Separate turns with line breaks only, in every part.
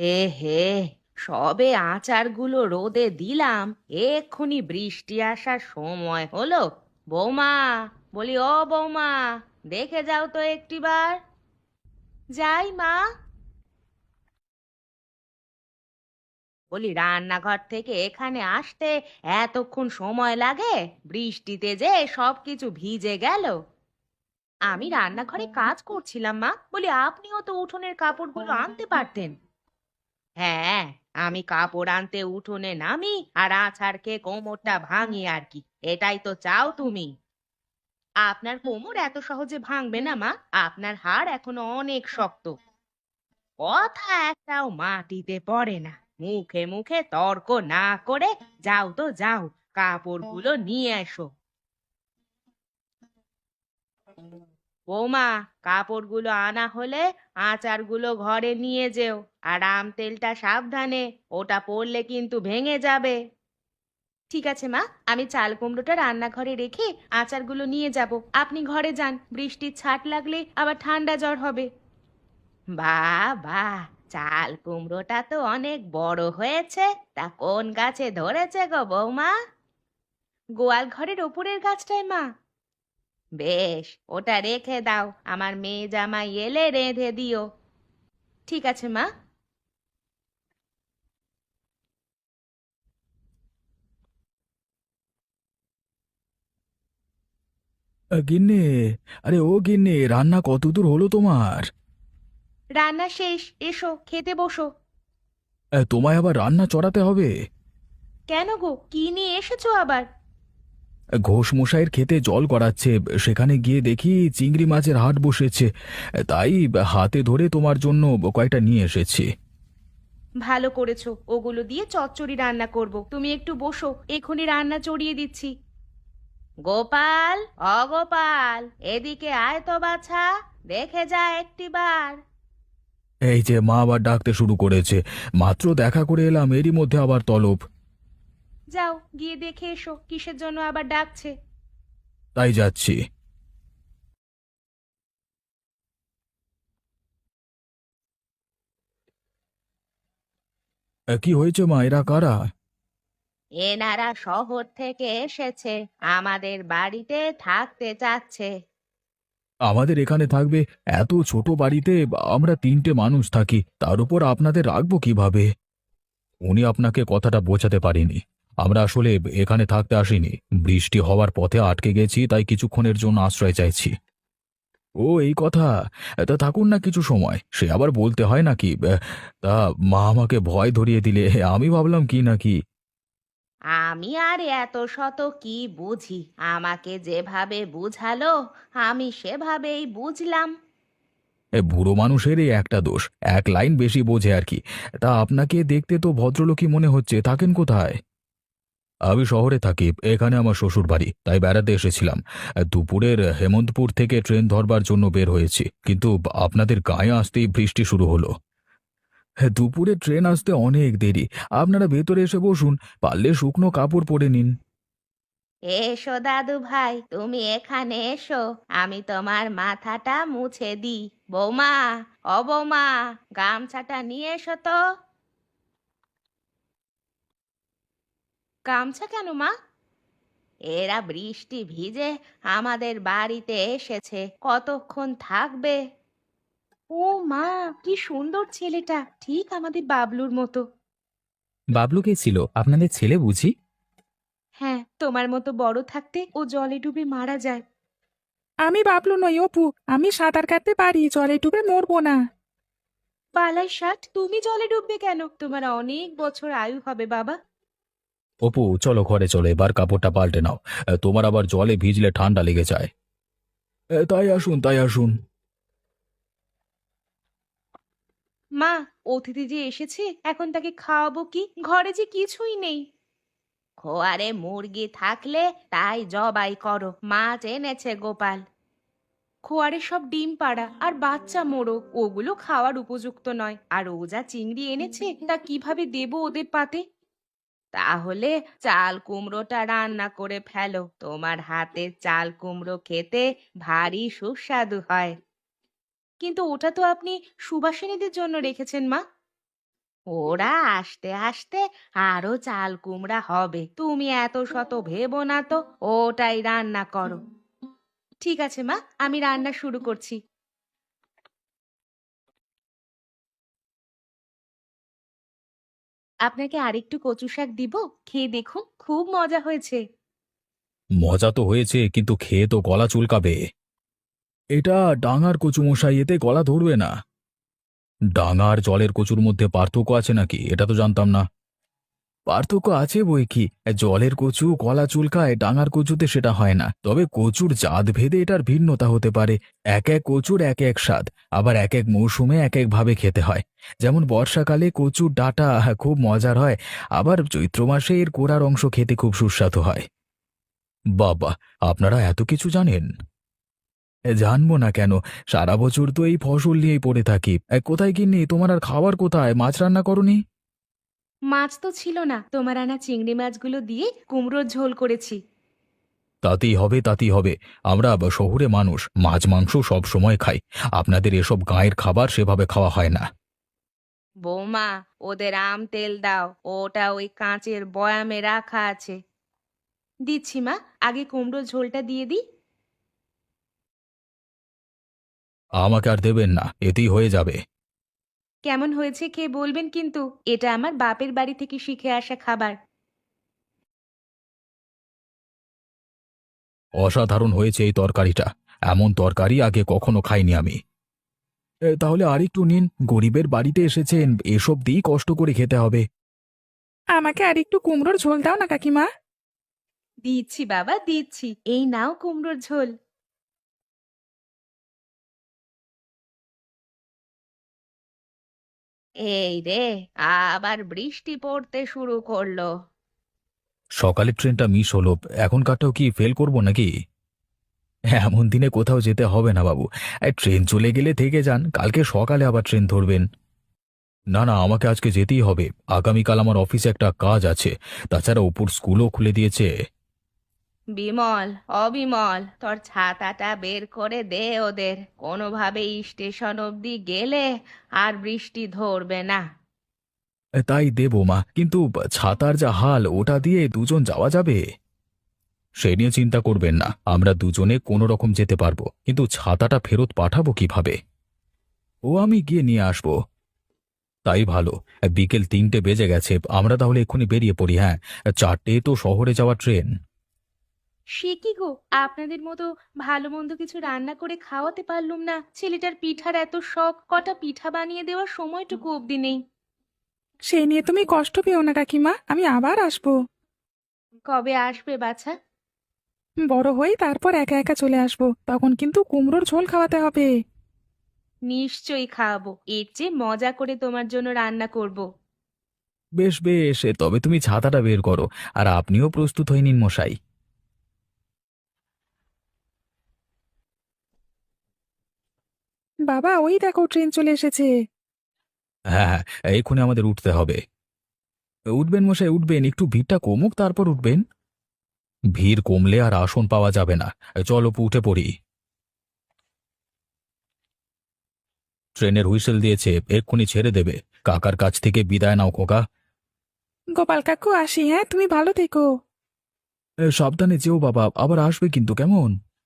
এ হে, সবে আচারগুলো রোদে দিলাম, এক্ষুনি বৃষ্টি আসার সময় হলো। বৌমা, বলি ও বৌমা, দেখে যাও তো একটিবার। যাই মা। বলি রান্নাঘর থেকে এখানে আসতে এতক্ষণ সময় লাগে? বৃষ্টিতে যে সবকিছু ভিজে গেল। আমি রান্নাঘরে কাজ করছিলাম মা, বলি আপনিও তো উঠোনের কাপড়গুলো আনতে পারতেন। হ্যাঁ, আমি কাপড় আনতে উঠোনে নামি আর আছাড় খেয়ে কোমরটা ভাঙি আর কি, এটাই তো চাও তুমি? আপনার কোমর এত সহজে ভাঙবে না মা, আপনার হাড় এখনো অনেক শক্ত। কথা একটাও মাটিতে পড়ে না। মুখে মুখে তর্ক না করে যাও তো যাও, কাপড়গুলো নিয়ে এসো। বৌমা, কাপড়গুলো আনা হলে আচারগুলো ঘরে নিয়ে যেও। আর আম তেলটা সাবধানে, ওটা পড়লে কিন্তু ভেঙে যাবে। ঠিক আছে মা, আমি চাল কুমড়োটা রান্নাঘরে রেখে আচারগুলো নিয়ে যাব। আপনি ঘরে যান, বৃষ্টির ছাট লাগলে আবার ঠান্ডা জ্বর হবে। বাহ বাহ, চাল কুমড়োটা তো অনেক বড় হয়েছে। তা কোন গাছে ধরেছে গো বৌমা? গোয়াল ঘরের ওপরের গাছটায় মা। বেশ, ওটা রেখে দাও, আমার মেয়ে জামাই এলে রেঁধে দিও। ঠিক আছে মা।
গিন্নি, আরে ও গিন্নি, রান্না কতদূর হলো তোমার?
রান্না শেষ, এসো খেতে বসো।
তোমায় আবার রান্না চড়াতে হবে?
কেন গো, কি নিয়ে এসেছো আবার?
ঘোষ মশাইয়ের ক্ষেতে জল গড়াচ্ছে, সেখানে গিয়ে দেখি চিংড়ি মাছের হাট বসেছে, তাই হাতে ধরে তোমার জন্য কয়েকটা নিয়ে এসেছি।
ভালো করেছো, ওগুলো দিয়ে চচ্চড়ি রান্না করব। তুমি একটু বসো, এখনই রান্না চড়িয়ে দিচ্ছি। গোপাল, অগোপাল, এদিকে আয় তো বাছা, দেখে যা একটিবার।
এই যে মা আবার ডাকতে শুরু করেছে, মাত্র দেখা করে এলাম, এরই মধ্যে আবার তলব।
যাও গিয়ে দেখে এসো কিসের জন্য আবার ডাকছে।
তাই যাচ্ছি। কি হয়েছে মা, এরা কারা?
এনারা শহর থেকে এসেছে, আমাদের বাড়িতে থাকতে চাচ্ছে।
আমাদের এখানে থাকবে? এত ছোট বাড়িতে আমরা তিনটে মানুষ থাকি, তার উপর আপনাদের রাখবো কিভাবে? উনি আপনাকে কথাটা বোঝাতে পারিনি। আমরা আসলে এখানে থাকতে আসিনি, বৃষ্টি হওয়ার পথে আটকে গেছি, তাই কিছুক্ষণের জন্য আশ্রয় চাইছি। ও এই কথা। তা থাকুন না কিছু সময়, সে আবার বলতে হয় নাকি? তা মা আমাকে ভয় ধরিয়ে দিলে, আমি ভাবলাম কি না কি।
আমি আর এত শত কি বুঝি, আমাকে যেভাবে বুঝালো আমি সেভাবেই বুঝলাম।
বুড়ো মানুষের এই একটা দোষ, এক লাইন বেশি বোঝে আর কি। তা আপনাকে দেখতে তো ভদ্রলোকই মনে হচ্ছে, থাকেন কোথায়? আমি শহরে থাকি, এখানে আমার শ্বশুর বাড়ি, তাই বেড়াতে এসেছিলাম। দুপুরের হেমন্তপুর থেকে ট্রেন ধরবার জন্য বের হয়েছি, কিন্তু আপনাদের গায়ে আসতেই বৃষ্টি শুরু হলো। হ্যাঁ, দুপুরে ট্রেন আসতে অনেক দেরি। আপনারা ভেতরে এসে বসুন, পারলে শুকনো কাপড় পরে নিন।
এসো দাদু ভাই, তুমি এখানে এসো, আমি তোমার মাথাটা মুছে দিই। বৌমা, ও বৌমা, গামছাটা নিয়ে এসো তো। গামছা কেন মা? এরা বৃষ্টি ভিজে আমাদের বাড়িতে এসেছে, কতক্ষণ থাকবে? ও মা, কি সুন্দর ছেলেটা, ঠিক আমাদের বাবলুর মতো।
বাবলু কে ছিল? আপনাদের ছেলে বুঝি?
হ্যাঁ, তোমার মতো বড় থাকতে ও জলে ডুবে মারা যায়।
আমি বাবলু নই, অপু। আমি সাঁতার কাটতে পারি, জলে ডুবে মরবো না।
পালাই ষাট, তুমি জলে ডুববে কেন? তোমার অনেক বছর আয়ু হবে বাবা।
অপু চলো ঘরে চলো, এবার কাপড়টা পাল্টে নাও। তোমার আবার জলে ভিজলে ঠান্ডা লেগে যায়। তাই আসুন, তাই আসুন।
মা, অতিথি যে এসেছে, এখন তাকে খাওয়াবো কি? ঘরে যে কিছুই নেই। খোয়ারে মুরগি থাকলে তাই জবাই করো, মাছ এনেছে গোপাল। খোয়ারে সব ডিম পাড়া আর বাচ্চা মোড়ক, ওগুলো খাওয়ার উপযুক্ত নয়। আর ও যা চিংড়ি এনেছে তা কিভাবে দেবো ওদের পাতে? তাহলে চাল কুমড়োটা রান্না করে ফেলো, তোমার হাতের চাল কুমড়ো খেতে ভারী সুস্বাদু হয়। কিন্তু ওটা তো আপনি সুবাসিনীদের জন্য রেখেছেন মা। ওরা আসতে আসতে আরো চাল কুমড়া হবে, তুমি এত শত ভেবো না তো, ওটাই রান্না করো। ঠিক আছে মা, আমি রান্না শুরু করছি। আপনাকে আরেকটু কচু শাক দিব, খেয়ে দেখুন, খুব মজা হয়েছে।
মজা তো হয়েছে, কিন্তু খেয়ে তো গলা চুলকাবে। এটা ডাঙার কচু মশাই, এতে গলা ধরবে না। ডাঙার জলের কচুর মধ্যে পার্থক্য আছে নাকি? এটা তো জানতাম না। পার্থক্য আছে বই কি, জলের কচু গলা চুলকায়, ডাঙার কচুতে সেটা হয় না। তবে কচুর জাত ভেদে এটার ভিন্নতা হতে পারে। এক এক কচুর এক এক স্বাদ, আবার এক এক মৌসুমে এক এক ভাবে খেতে হয়। যেমন বর্ষাকালে কচুর ডাঁটা খুব মজার হয়, আবার চৈত্র মাসে এর কোড়ার অংশ খেতে খুব সুস্বাদু হয়। বাবা, আপনারা এত কিছু জানেন! জানবো না কেন, সারা বছর তো এই ফসল নিয়েই পড়ে থাকি। কোথায় কিন্নি, তোমার আর খাবার কোথায়? মাছ রান্না করনি?
মাছ তো ছিল না, তোমার আনা চিংড়ি মাছগুলো দিয়ে কুমড়োর ঝোল করেছি।
তাতেই হবে, তাতেই হবে। আমরা শহুরে মানুষ, মাছ মাংস সব সময় খাই। আপনাদের এসব গাঁয়ের খাবার সেভাবে খাওয়া হয় না।
বৌমা, ওদের আম তেল দাও, ওটা ওই কাঁচের বয়ামে রাখা আছে। দিচ্ছি মা, আগে কুমড়োর ঝোলটা দিয়ে দিই।
আমাকে আর দেবেন না, এতেই হয়ে যাবে।
কেমন হয়েছে খেয়ে বলবেন কিন্তু, এটা আমার বাপের বাড়ি থেকে শিখে আসা খাবার।
অসাধারণ হয়েছে এই তরকারিটা। এমন তরকারি আগে কখনো খাইনি আমি। তাহলে আরেকটু নিন, গরিবের বাড়িতে এসেছেন, এসব দিয়েই কষ্ট করে খেতে হবে।
আমাকে আর একটু কুমড়োর ঝোল দাও না কাকিমা।
দিচ্ছি বাবা, দিচ্ছি, এই নাও কুমড়োর ঝোল। এই রে, আবার বৃষ্টি পড়তে শুরু করলো।
সকালের ট্রেনটা মিস হলো, এখনকারটাও কি ফেল করব নাকি? এমন দিনে কোথাও যেতে হবে না বাবু। ট্রেন চলে গেলে থেকে যান, কালকে সকালে আবার ট্রেন ধরবেন। না না, আমাকে আজকে যেতেই হবে। আগামীকাল আমার অফিসে একটা কাজ আছে। তাছাড়া অপুর স্কুলও খুলে দিয়েছে।
বিমল, অবিমল, তোর ছাতাটা বের করে দে ওদের, কোনোভাবে স্টেশন অবধি গেলে আর বৃষ্টি ধরবে না।
তাই দেবো মা, কিন্তু ছাতার যা হাল, ওটা দিয়ে দুজন যাওয়া যাবে? সে নিয়ে চিন্তা করবেন না, আমরা দুজনে কোনো রকম যেতে পারবো, কিন্তু ছাতাটা ফেরত পাঠাবো কিভাবে? ও আমি গিয়ে নিয়ে আসবো। তাই ভালো। বিকেল ৩টে বেজে গেছে, আমরা তাহলে এক্ষুনি বেরিয়ে পড়ি। হ্যাঁ, ৪টে তো শহরে যাওয়ার ট্রেন।
সে কি গো, আপনাদের মতো ভালো মন্দ কিছু রান্না করে খাওয়াতে পারলুম না। ছেলেটার পিঠার এত শখ, কটা পিঠা বানিয়ে দেওয়ার সময়টুকু অবধি নেই।
সেই নিয়ে তুমি কষ্ট পেও না কাকিমা, আমি আবার আসবো।
কবে আসবে বাছা?
বড় হই তারপর একা একা চলে আসবো, তখন কিন্তু কুমড়োর ঝোল খাওয়াতে হবে।
নিশ্চয়ই খাওয়াবো, এর চেয়ে মজা করে তোমার জন্য রান্না করব।
বেশ বেশ, তবে তুমি ছাতাটা বের করো, আর আপনিও প্রস্তুত হয়ে নিন মশাই।
বাবা, ওই দেখো ট্রেন চলে এসেছে।
হ্যাঁ হ্যাঁ, এক্ষুনি আমাদের উঠতে হবে। উঠবেন মশাই, উঠবেন, একটু ভিড়টা কমুক তারপর উঠবেন। ভিড় কমলে আর আসন পাওয়া যাবে না। চলো অপু, উঠে পড়ি। ট্রেনের হুইসেল দিয়েছে, এক্ষুনি ছেড়ে দেবে। কাকার কাছ থেকে বিদায় নাও খোকা।
গোপাল কাকু, আসি হ্যাঁ, তুমি ভালো থেকো।
সাবধানে যেও বাবা, আবার আসবে কিন্তু, কেমন?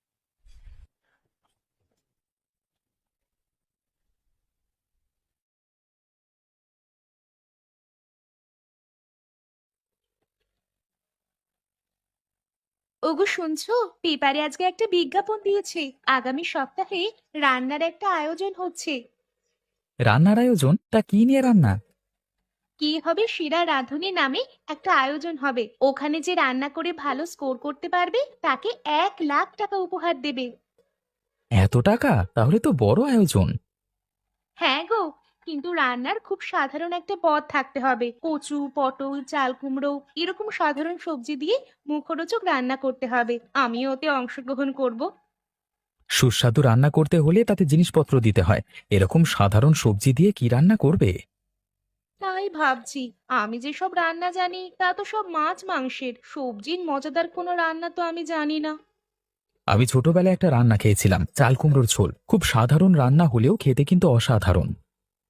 ওগো শুনছো, পেপারে আজকে একটা বিজ্ঞাপন দিয়েছে, আগামী সপ্তাহে রান্নার একটা আয়োজন হচ্ছে।
রান্নার আয়োজন? তা কি নিয়ে রান্না?
কি হবে, সেরা রাঁধুনি নামে একটা আয়োজন হবে। ওখানে যে রান্না করে ভালো স্কোর করতে পারবে তাকে 1,00,000 টাকা উপহার দেবে।
এত টাকা? তাহলে তো বড় আয়োজন।
হ্যাঁ গো, কিন্তু রান্নার খুব সাধারণ একটা পদ থাকতে হবে। কচু, পটল, চাল কুমড়ো এরকম সাধারণ সবজি দিয়ে মুখরোচক রান্না করতে হবে। আমিও ওতে অংশগ্রহণ করব।
সুস্বাদু রান্না করতে হলে তাতে জিনিসপত্র দিতে হয়। এরকম সাধারণ সবজি দিয়ে কি রান্না করবে?
তাই ভাবছি, আমি যে সব রান্না জানি তা তো সব মাছ মাংসের, সবজির মজাদার কোনো রান্না তো আমি জানি না।
আমি ছোটবেলায় একটা রান্না খেয়েছিলাম, চাল কুমড়োর ঝোল। খুব সাধারণ রান্না হলেও খেতে কিন্তু অসাধারণ।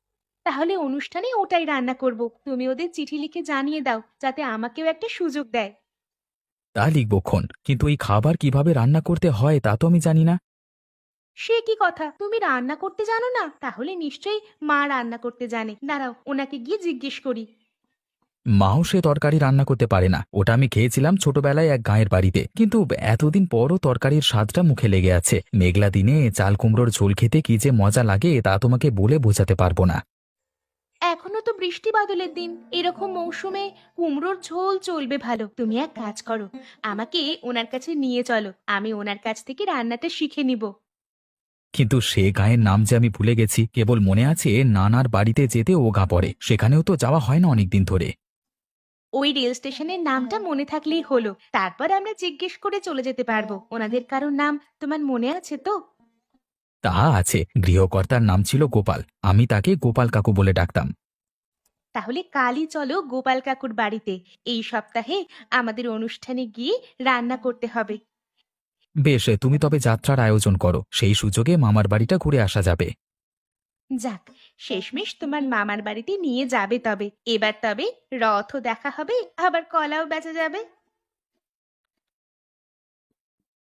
তাহলে অনুষ্ঠানে ওটাই রান্না করব। তুমি ওদের চিঠি লিখে জানিয়ে দাও যাতে আমাকেও একটা সুযোগ দেয়।
তা লিখবক্ষণ, কিন্তু এই খাবার কিভাবে রান্না করতে হয় তা তো আমি জানি না।
সে কি কথা, তুমি রান্না করতে জানো না? তাহলে নিশ্চয়ই মা রান্না করতে জানে। দাঁড়াও, ওনাকে গিয়ে জিজ্ঞেস করি।
মাও সে তরকারি রান্না করতে পারে না। ওটা আমি খেয়েছিলাম ছোটবেলায় এক গাঁয়ের বাড়িতে, কিন্তু এতদিন পরও তরকারির স্বাদটা মুখে লেগে আছে। মেঘলা দিনে চাল কুমড়োর ঝোল খেতে কি যে মজা লাগে তা তোমাকে বলে বোঝাতে পারবো না।
এখনো তো বৃষ্টি বাদলের দিন, এরকম মৌসুমে কুমড়োর ঝোল চলবে ভালো। তুমি এক কাজ করো, আমাকে ওনার কাছে নিয়ে চলো, আমি ওনার কাছ থেকে রান্নাটা শিখে নিব।
কিন্তু সে গাঁয়ের নাম যে আমি ভুলে গেছি। কেবল মনে আছে নানার বাড়িতে যেতে ও গা পড়ে, সেখানেও তো যাওয়া হয় না অনেকদিন ধরে।
ওই রেল স্টেশনের নামটা মনে থাকলেই হলো, তারপর আমরা জিজ্ঞেস করে চলে যেতে পারবো। ওনাদের কারোর নাম তোমার মনে আছে তো?
তা আছে, গৃহকর্তার নাম ছিল গোপাল। আমি তাকে গোপাল কাকু বলে ডাকতাম।
তাহলে কালই চলো গোপাল কাকুর বাড়িতে। এই সপ্তাহে আমাদের অনুষ্ঠানে গিয়ে রান্না করতে হবে।
বেশ, তুমি তবে যাত্রার আয়োজন করো, সেই সুযোগে মামার বাড়িটা ঘুরে আসা যাবে।
যাক, শেষমেশ তোমার মামার বাড়িতে নিয়ে যাবে তবে। এবার তবে রথও দেখা হবে, আবার কলাও বেচা যাবে।